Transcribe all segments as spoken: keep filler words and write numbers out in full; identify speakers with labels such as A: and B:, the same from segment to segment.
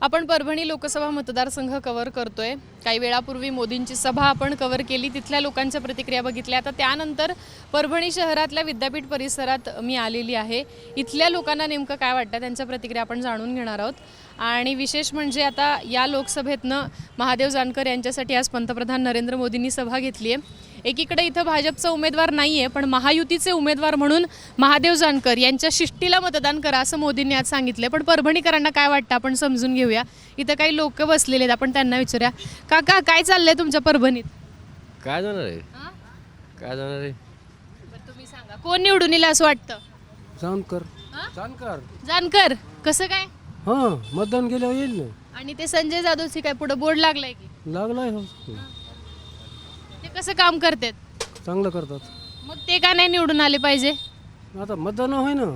A: आपण परभणी लोकसभा मतदारसंघ कव्हर करतोय। काही वेळापूर्वी मोदींची सभा आपण कव्हर केली, तिथल्या लोकांच्या प्रतिक्रिया बघितल्या। आता त्यानंतर परभणी शहरातल्या विद्यापीठ परिसरात मी आलेली आहे। इथल्या लोकांना नेमकं काय वाटतं त्यांच्या प्रतिक्रिया आपण जाणून घेणार आहोत। आणि विशेष म्हणजे आता या लोकसभेतनं महादेव जानकर यांच्यासाठी आज पंतप्रधान नरेंद्र मोदींनी सभा घेतली आहे। एकीकडे इथं भाजपचा उमेदवार नाही आहे, पण महायुतीचे उमेदवार म्हणून महादेव जानकर यांच्या शिष्टीला मतदान करा असं मोदींनी आज सांगितलं। पण परभणीकरांना काय वाटतं आपण समजून घेऊया। इथं काही लोक बसलेले आहेत, आपण त्यांना विचारूया। काका काय चाललंय तुमच्या परभणीत?
B: काय जाणार आहे काय जाणार आहे
A: बरं तुम्ही सांगा, कोण निवडून येईल असं वाटतं?
C: जानकर
A: हां?
C: जानकर
A: जानकर कसं काय?
C: हां मतदान केल्यावर येईल ना.
A: आणि ते संजय जाधवची काय पुढे बोर्ड लागलाय की
C: लागलाय हो,
A: ते कसं काम करतात?
C: चांगलं करतात.
A: मग ते का नाही निवडून आले पाहिजे?
C: आता मतदान होय ना.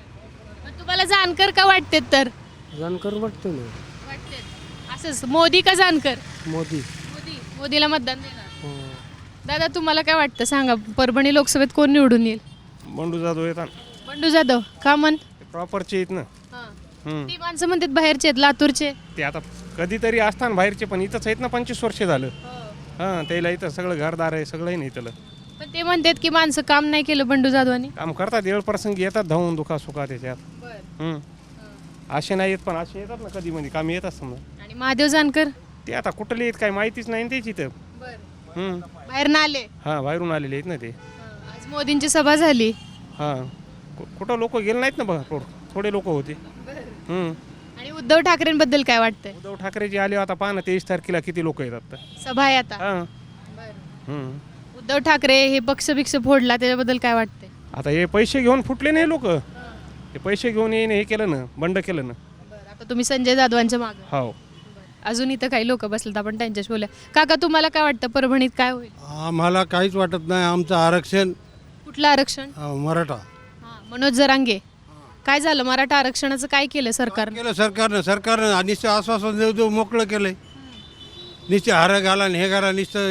A: मग तुम्हाला जानकर का वाटतात तर?
C: जानकर वाटते ना.
A: वाटतात असंच मोदी का जानकर?
C: मोदी.
A: मोदी मोदीला मतदान देणार।
C: हां.
A: दादा तुम्हाला काय वाटतं सांगा, परभणी लोकसभेत कोण निवडून येईल?
D: बंडू जाधव येतात
A: बंडू जाधव का म्हण?
D: प्रॉपरचे आहेत ना. हम्म.
A: ती माणसं म्हणतात बाहेरचे आहेत, लातूरचे।
D: ते आता कधीतरी असताना बाहेरचे, पण इथंच आहेत ना. पंचवीस वर्ष झालं. हां त्याला इथं सगळं घरदार आहे, सगळं आहे ना इथलं.
A: पण ते म्हणतात की माणसं काम नाही केलं बंडू जाधवांनी।
D: काम करतात, वेळ प्रसंगी येतात धावून दुखा सुखा त्याच्यात. हम्म. असे नाही येत, पण असे येतात ना कधी मध्ये काम येतात समजा.
A: आणि महादेव जानकर
D: ते आता कुठले आहेत काय माहितीच नाही ना त्याची तर. हम्म.
A: बाहेर ना आले।
D: हां बाहेरून आलेले आहेत ना ते.
A: आज मोदींची सभा झाली।
D: हां कु- कुठं लोक गेले नाहीत ना बघा, थोडे लोक होते. हम्म.
A: आणि उद्धव ठाकरेंबद्दल काय वाटतंय?
D: उद्धव ठाकरे जे आले आता पहा ना, तेवीस तारखेला किती लोक येतात तर.
A: सभा आहे आता।
D: हां. हम्म.
A: उद्धव ठाकरे हे पक्ष भिक्ष फोडला, त्याच्याबद्दल काय वाटतंय?
D: आता हे पैसे घेऊन फुटले नाही लोक. हे पैसे घेऊन येईन हे केलं ना, बंड केलं ना.
A: आता तुम्ही संजय जाधवांच्या मागे।
D: हो.
A: अजून इथं काही लोक बसलेत, आपण त्यांच्याशी बोलूया। काका तुम्हाला काय वाटतं परभणीत काय होईल?
C: आम्हाला काहीच वाटत नाही. आमचं आरक्षण
A: कुठलं आरक्षण?
C: अं, मराठा
A: हां, मनोज जरांगे काय झालं? मराठा आरक्षणाचं काय केलं सरकारनं?
C: केलं सरकारनं. सरकारनं निश्चय आश्वासन देऊ देऊ मोकळं केलंय. निश्चय हार घाला आणि हे घाला,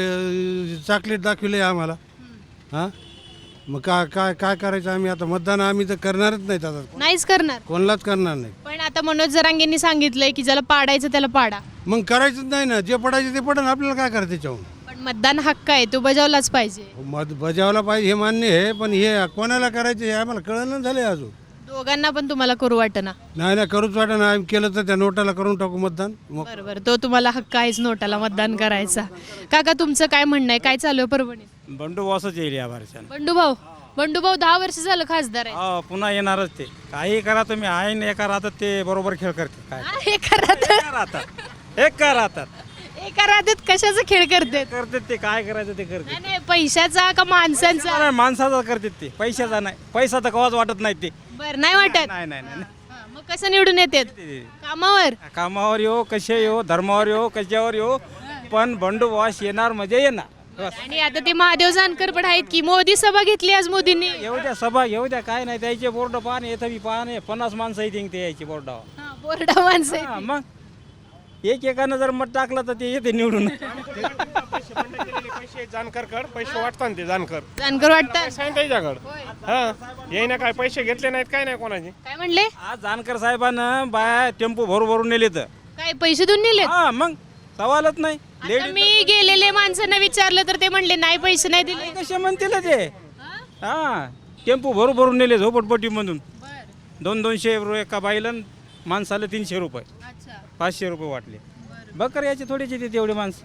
C: नुसतं चॉकलेट दाखविले आम्हाला. हां मग काय काय काय करायचं आम्ही आता? मतदान आम्ही तर करणारच नाहीत आता,
A: नाहीच करणार।
C: कोणालाच करणार नाही.
A: पण आता मनोज जरांगेंनी सांगितलंय की ज्याला पाडायचं त्याला पाडा।
C: मग करायचंच नाही ना. जे पडायचं ते पडन, आपल्याला काय करायचं त्याच्याहून?
A: पण मतदान हक्क आहे, तो बजावलाच पाहिजे।
C: मत बजावला पाहिजे हे मान्य आहे, पण हे कोणाला करायचं हे आम्हाला कळलं झालंय अजून.
A: दोघांना पण तुम्हाला करू वाटना?
C: नाही नाही करूच वाटत ना. आम्ही केलं तर त्या नोटाला करून टाकू मतदान. मग
A: बरोबर, तो तुम्हाला हक्क आहेच नोटाला मतदान करायचा। काका तुमचं काय म्हणणं आहे, काय चालू आहे परभणीत?
E: बंडू बॉसच येईल या वर्षानं.
A: बंडू भाऊ बंडू भाऊ दहा वर्ष झालं खासदार आहे।
E: हा पुन्हा येणारच ते. काही करा तुम्ही, आहे न एका राहतात ते बरोबर खेळ करते. काय
A: हा, एका राहतात
E: एका राहतात एका राहतात
A: एका राहतात कशाचा खेळ करतात?
E: करतात ते. काय करायचं ते करते.
A: नाही नाही, पैशाचा का माणसांचा?
E: माणसाचा करतात ते, पैशाचा नाही. पैसा तर कवाच वाटत नाही ते.
A: बर नाही वाटत?
E: नाही नाही नाही
A: हा, मग कसं निवडून येतात?
E: ते-
A: कामावर?
E: कामावर येऊ, कसे येऊ, धर्मावर येऊ, कशावर येऊ, पण बंडू बॉस येणार म्हणजे येणार. बस.
A: आणि आता ते महादेव जानकर पण आहेत की, मोदी सभा घेतली आज मोदींनी।
E: येऊ द्या सभा, येऊ द्या, काय नाही. त्याचे बोर्ड पाहणे येतं बी पाहणे. पन्नास माणसं येते ते यायची बोर्डावर.
A: हा, बोर्डा माणसं आहेत.
E: हा, मग एक एकानं जर मत टाकलं तर ते येते निवडून.
D: पैसे जानकर कड पैसे वाटतात ना ते जानकर
A: जानकर वाटतात?
D: सांग त्याच्याकडं. हां येईना काय पैसे घेतले नाहीत काय नाही कोणाचे.
A: काय म्हणले?
E: आज जानकर साहेबांना बाया टेम्पो भरू भरून नेले तर.
A: काय पैसे देऊन नेले?
E: हा मग सवालच नाही.
A: आता मी गेलेले माणसांना विचारलं तर ते म्हणले नाही, पैसे नाही दिले।
E: कसे म्हणतील ते? हा टेम्पो भरू भरून नेले झोपडपट्टी मधून. दोन दोनशे रुपये एका बाईला, माणसाला तीनशे रुपये,
A: अच्छा
E: पाचशे रुपये वाटले. बकर याचे थोडेच येते तेवढे माणसं.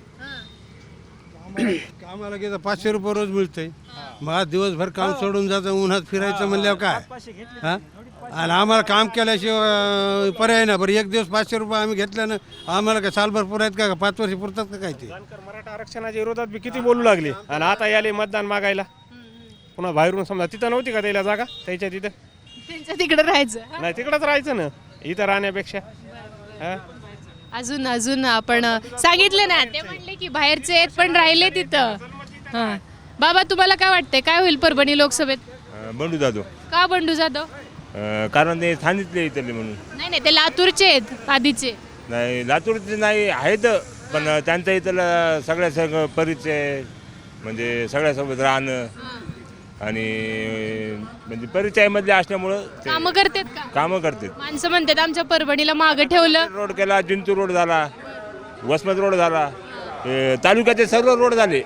C: कामाला गेलं पाचशे रुपये रोज मिळतंय. मग आज दिवसभर काम सोडून जायचं, उन्हात फिरायचं म्हणल्यावर काय? हा आणि आम्हाला काम केल्याशिवाय अं, पर्याय ना. बरं एक दिवस पाचशे रुपये आम्ही घेतल्यानं आम्हाला काय सालभर पुरायत का? पाच वर्ष पुरतात का काय ते?
D: जानकर मराठा आरक्षणाच्या विरोधात बी किती बोलू लागले, आणि आता याले मतदान मागायला. पुन्हा बाहेरून समजा तिथं नव्हती का त्याला जागा, त्याच्या तिथं
A: त्यांच्या तिकडे राहायचं।
D: नाही तिकडंच राहायचं ना इथं राहण्यापेक्षा. हा
A: अजून अजून आपण सांगितलं ना, ते म्हणले की बाहेरचे आहेत पण राहिले तिथं। हा बाबा तुम्हाला काय वाटतंय, काय होईल परभणी लोकसभेत?
F: बंडू जाधव.
A: का बंडू जाधव?
F: अं, कारण ते सांगितले इथले म्हणून.
A: नाही नाही, ते लातूरचे आहेत आधीचे।
F: नाही लातूरचे नाही आहेत, पण त्यांचं इथलं सगळ्या सगळं परिचय म्हणजे सगळ्यासोबत राहणं आणि म्हणजे परिचयामधले असल्यामुळं ते
A: कामं करतात का
F: कामं करतात.
A: माणसं म्हणतात आमच्या परभणीला मागं ठेवलं.
F: रोड केला, जिंतूर रोड झाला, वसमत रोड झाला, हे तालुक्याचे सर्व रोड झाले.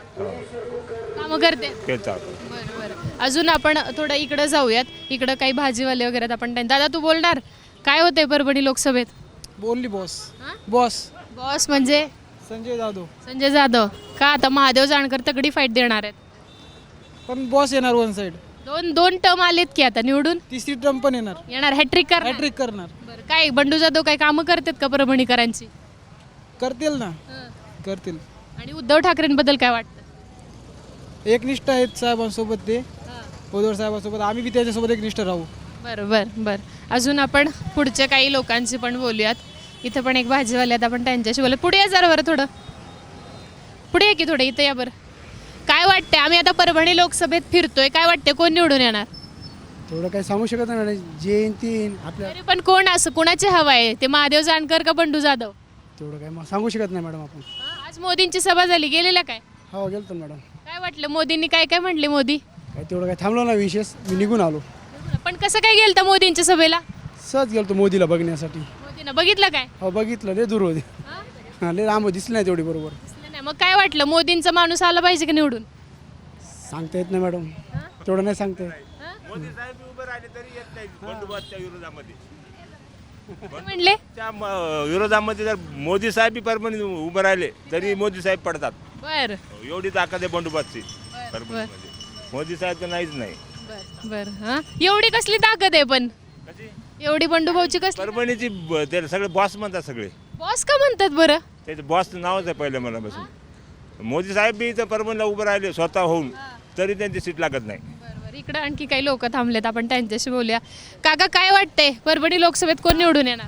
A: कामं करते.
F: केलता.
A: बरं बरं अजून आपण थोडं इकडं जाऊयात. इकडं काही भाजीवाले वगैरे आहेत, आपण त्यांना- दादा तू बोलणार काय होतंय परभणी लोकसभेत?
G: बोलली बॉस
A: हा?
G: बॉस
A: बॉस म्हणजे
G: संजय जाधव.
A: संजय जाधव का? आता महादेव जानकर तगडी फाईट देणार आहेत.
G: पण बॉस येणार वन साइड.
A: दोन दोन टर्म आलेत की आता निवडून
G: तिसरी टर्म पण येणार.
A: येणार हॅट्रिक करणार.
G: हॅट्रिक करणार.
A: बरं काय बंडू जाधव काय कामं करतात का परभणीकरांची?
G: करतील ना, करतील.
A: आणि उद्धव ठाकरेंबद्दल काय वाटतं?
G: एकनिष्ठ आहेत साहेबांसोबत ते, उद्धव साहेबांसोबत. आम्ही बी त्याच्यासोबत एकनिष्ठ राहू.
A: बरं बरं बरं अजून आपण पुढच्या काही लोकांशी पण बोलूयात. इथं पण एक भाजीवाले आहेत, आपण त्यांच्याशी बोलूया. पुढे या जरा बरं थोडं पुढे या की थोडं इथं या बरं. काय वाटतंय आम्ही आता परभणी लोकसभेत फिरतोय, काय वाटतंय कोण निवडून येणार?
H: थोडं काही सांगू शकत नाही मॅडम. जे येईन ते येईन आपल्या.
A: तरी पण कोण असं कोणाचे हवा आहे? ते महादेव जानकर का बंडू जाधव?
H: तेवढं काही सांगू शकत नाही मॅडम आपण.
A: हा, आज मोदींची सभा झाली, गेलेल्या काय?
H: हो गेलतो ना मॅडम.
A: काय वाटलं मोदींनी काय काय म्हटले? मोदी
H: काही तेवढं काही थांबलो ना विशेष. मी निघून आलो.
A: पण कसं काय गेलं मोदींच्या सभेला?
H: सहज गेलतो मोदीला बघण्यासाठी.
A: मोदीनं बघितलं काय?
H: हो बघितलं. लय दूर होते.
A: हा?
H: हां लय लांब दिसलं नाही तेवढी बरोबर.
A: दिसलं नाही. मग काय वाटलं मोदींचा माणूस आला पाहिजे की निवडून?
H: सांगता येत नाही मॅडम. तेवढं नाही सांगता येत.
F: मोदी साहेब उभे राहिले तरी येत नाही बंडोबस्तच्या विरोधामध्ये.
A: काय म्हणले?
F: त्या म- विरोधामध्ये जर मोदी साहेब बी परभणी उभे राहिले तरी मोदी साहेब पडतात.
A: बर
F: एवढी ताकद आहे बंडोबस्तची
A: बर
F: परभणीमध्ये. मोदी साहेब तर नाहीच नाही.
A: बर बर हा एवढी कसली ताकद आहे पण?
F: कशी?
A: एवढी बंडूभाऊची कसली?
F: परभणीची ब- ते सगळे बॉस म्हणतात सगळे.
A: बॉस का म्हणतात बरं?
F: त्याचं बॉसचं नावच आहे पहिलं मनापासून. मोदी साहेब बी इथं परभणीला उभं राहिले स्वतः होऊन तरी त्यांची सीट लागत नाही.
A: बरोबर इकडं आणखी काही लोक थांबलेत, आपण त्यांच्याशी बोलूया. काका काय वाटतंय परभणी लोकसभेत कोण निवडून येणार?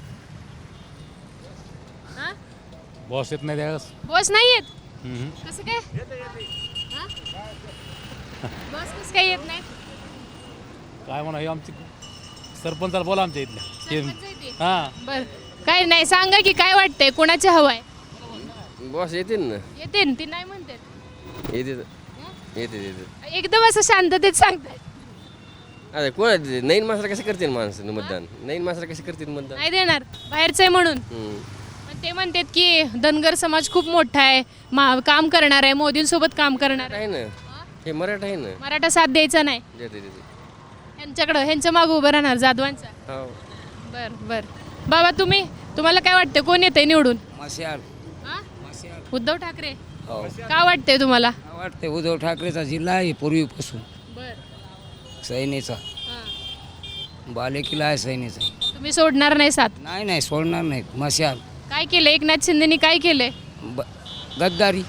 A: हा?
I: बॉस येत नाही त्यावेळेस.
A: बॉस नाही येत? कसं काय? हा? बॉस कसं काय येत नाही?
I: काय म्हणा हे आमची सरपंचाला बोला आमच्या
A: सरपंच
I: इथल्या.
A: आहे ते.
I: हां
A: बर काय नाही सांगा की काय वाटतंय कोणाचे हवा आहे?
B: बॉस येतील ना.
A: येते ती नाही म्हणते.
B: येते येते येते.
A: एकदम असं शांततेत सांगताय.
B: अरे कोण नवीन माणसाला कसं करतील माणसं मतदान? नवीन माणसाला कसं करतील मतदान?
A: नाही देणार बाहेरचं आहे म्हणून.
B: हम्म.
A: पण ते म्हणतात की धनगर समाज खूप मोठा आहे, मा- काम करणार आहे, मोदींसोबत काम करणार आहे.
B: आहे ना, हे मराठा आहे ना.
A: मराठा साथ द्यायचा नाही
B: देते देते.
A: यांच्याकडं, ह्यांच्या मागं उभं राहणार जाधवांचा.
B: हो.
A: बर बर बाबा तुम्ही तुम्हाला काय वाटतं कोण येतंय निवडून?
J: मशाल
A: हा? उद्धव ठाकरे.
J: हो
A: का वाटतंय तुम्हाला?
J: वाटते उद्धव ठाकरेचा जिल्हा आहे पूर्वीपासून.
A: बर
J: सैनेचा बालेकिल्ला आहे सैनेचा.
A: तुम्ही सोडणार नाही साथ?
J: नाही नाही सोडणार नाही. मशाल
A: काय केलं एकनाथ शिंदेनी? काय केलंय?
J: ब गद्दारी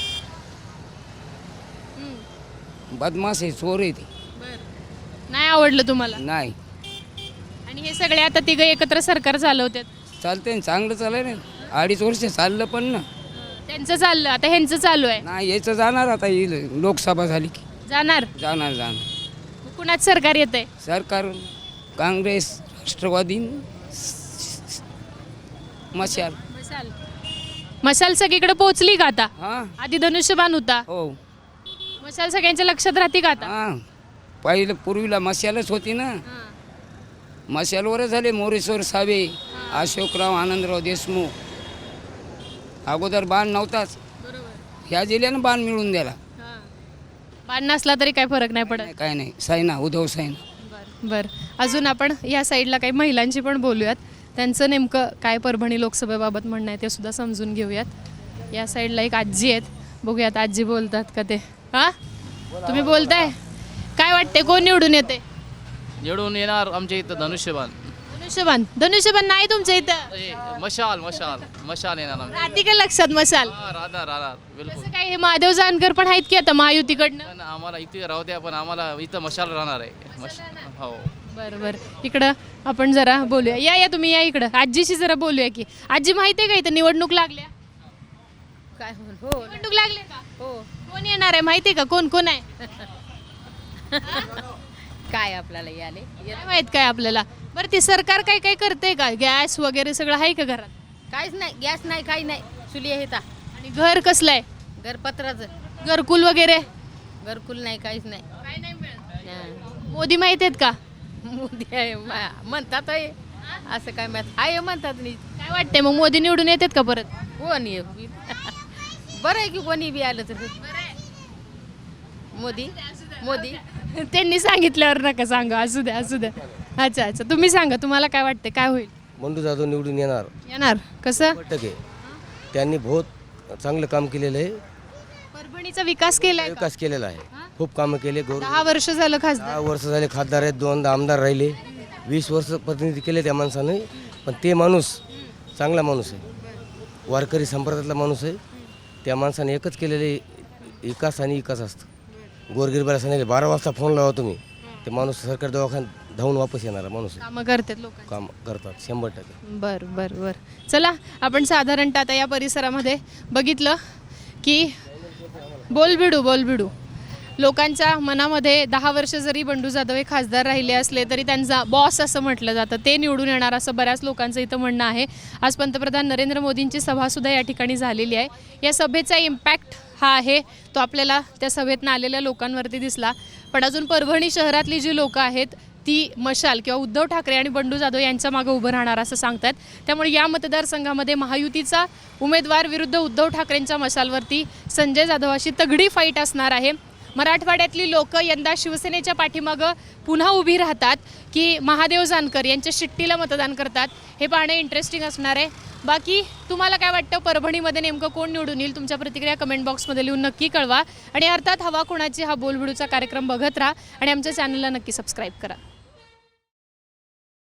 J: बदमाश आहे, चोर आहे ते.
A: नाही आवडलं तुम्हाला?
J: नाही
A: आणि हे सगळे आता तिघं एकत्र सरकार चालवतात.
J: चालते ना, चांगलं चालय ना. अडीच वर्ष चाललं पण ना.
A: त्यांचं चाललं, आता ह्यांचं चालू आहे.
J: नाही यायचं जाणार आता ही लोकसभा झाली की
A: जाणार?
J: जाणार जाणार.
A: कुणाच सरकार येतंय?
J: सरकार काँग्रेस राष्ट्रवादी मशाल.
A: मशाल मशाल सगळीकडे पोहोचली का आता?
J: हां
A: आधी धनुष्यबाण होता,
J: हो
A: मशाल सगळ्यांच्या लक्षात राहते का आता?
J: हां पहिलं पूर्वीला मशालच होती ना. मशालवर झाले मोरेश्वर सावे, अशोकराव आनंदराव देशमुख. अगोदर बाण नव्हताच, ह्या जिल्ह्यानं बाण मिळून दिला.
A: बाण नसला तरी काय फरक नाही पडत.
J: नाही, काय नाही. सैना उद्धव सैना.
A: बर अजून आपण या साईडला काही महिलांची पण बोलूयात, त्यांचं नेमकं काय परभणी लोकसभेबाबत म्हणणं आहे ते सुद्धा समजून घेऊयात. या साईडला एक आजी आहेत, बघूयात आजी बोलतात का ते. हा तुम्ही बोलताय काय वाटते कोण निवडून येते?
K: निवडून येणार आमच्या इथं धनुष्यबाण.
A: धनुष्यबाण? धनुष्यबाण नाही तुमच्या इथं?
K: ए, मशाल मशाल मशाल येणार आमच्या.
A: राहते का लक्षात मशाल?
K: हा, राहणार राहणार बिलकुल.
A: कसं काय हे महादेव जानकर पण आहेत की आता महायुतीकडनं?
K: पण आम्हाला इथे राहू द्या, पण आम्हाला इथं मशाल राहणार आहे. मश हो
A: बरं बरं इकडं आपण जरा बोलूया. या या तुम्ही या इकडं आजीशी जरा बोलूया की. आजी माहिती आहे का इथं निवडणूक लागल्या?
L: काय हो
A: निवडणूक लागल्या का?
L: हो
A: कोण येणार आहे माहिती आहे का? कोण कोण आहे?
L: काय आपल्याला याले
A: काय माहित काय आपल्याला? बरं ते सरकार काय काय करते का? गॅस वगैरे सगळं आहे का घरात?
L: काहीच नाही, गॅस नाही, काही नाही. चुली आहे ता
A: आणि घर कसलं आहे?
L: घरपत्राचं
A: घरकुल वगैरे?
L: घरकुल नाही काहीच नाही
A: काय नाही मिळत.
L: हा.
A: मोदी माहित आहेत का?
L: मोदी आहे मा- म्हणतात आहे. असं काय माहित आहे म्हणतात नाही
A: काय वाटतंय मग मोदी निवडून येतात का परत?
L: कोणी आहे? बरं आहे की कोणी बी आलं तर मोदी मोदी
A: त्यांनी सांगितल्यावर नका सांगा, असू द्या असू द्या. अच्छा अच्छा, तुम्ही सांगा, तुम्हाला काय वाटतंय, काय होईल?
B: बंडू जाधव निवडून येणार
A: येणार कसं?
B: टक्के. त्यांनी बहुत चांगलं काम केलेलं आहे,
A: परभणीचा विकास केलाय का?
B: विकास केलेला आहे, खूप कामं केले. गौरव
A: दहा वर्ष झालं खासदार.
B: दहा वर्ष झाले खासदार आहेत, दोनदा आमदार राहिले, वीस वर्ष प्रतिनिधी केले त्या माणसाने. पण ते माणूस चांगला माणूस आहे, वारकरी संप्रदायातला माणूस आहे. त्या माणसाने एकच केलेले विकास आणि विकास असतं. गोरगिरबाला सांगितले बारा वाजता फोन लावा तुम्ही, ते माणूस सरकारी दवाखान्यात धावून वापस येणारा माणूस आहे.
A: कामं करतात लोक.
B: काम करतात शंभर टक्के.
A: बर बर बर. चला, आपण साधारणतः आता या परिसरामध्ये बघितलं की बोलबिडू बोलबिडू लोकांच्या मनामध्ये दहा वर्ष जरी बंडू जाधव हे खासदार राहिले असले तरी त्यांचा बॉस असं म्हटलं जातं, ते निवडून येणार असं बऱ्याच लोकांचं इथं म्हणणं आहे. आज पंतप्रधान नरेंद्र मोदींची सभासुद्धा या ठिकाणी झालेली आहे. या सभेचा इम्पॅक्ट हा आहे तो आपल्याला त्या सभेतनं आलेल्या लोकांवरती दिसला. पण अजून परभणी शहरातली जी लोकं आहेत ती मशाल किंवा उद्धव ठाकरे आणि बंडू जाधव यांच्या मागे उभं राहणार असं सांगतात. त्यामुळे या मतदारसंघामध्ये महायुतीचा उमेदवार विरुद्ध उद्धव ठाकरेंच्या मशालवरती संजय जाधव अशी तगडी फाईट असणार आहे. मराठवाड्यातली लोक यंदा शिवसेनेच्या पाठीमागं पुन्हा उभी राहतात की महादेव जानकर यांच्या शिट्टीला मतदान करतात, हे पाहणे इंटरेस्टिंग असणार आहे. बाकी तुम्हाला काय वाटतं, परभणीमध्ये नेमकं कोण निवडून येईल? तुमच्या प्रतिक्रिया कमेंट बॉक्समध्ये लिहून नक्की कळवा. आणि अर्थात हवा कोणाची हा बोलबिडूचा कार्यक्रम बघत राहा आणि आमच्या चॅनलला नक्की सबस्क्राईब करा.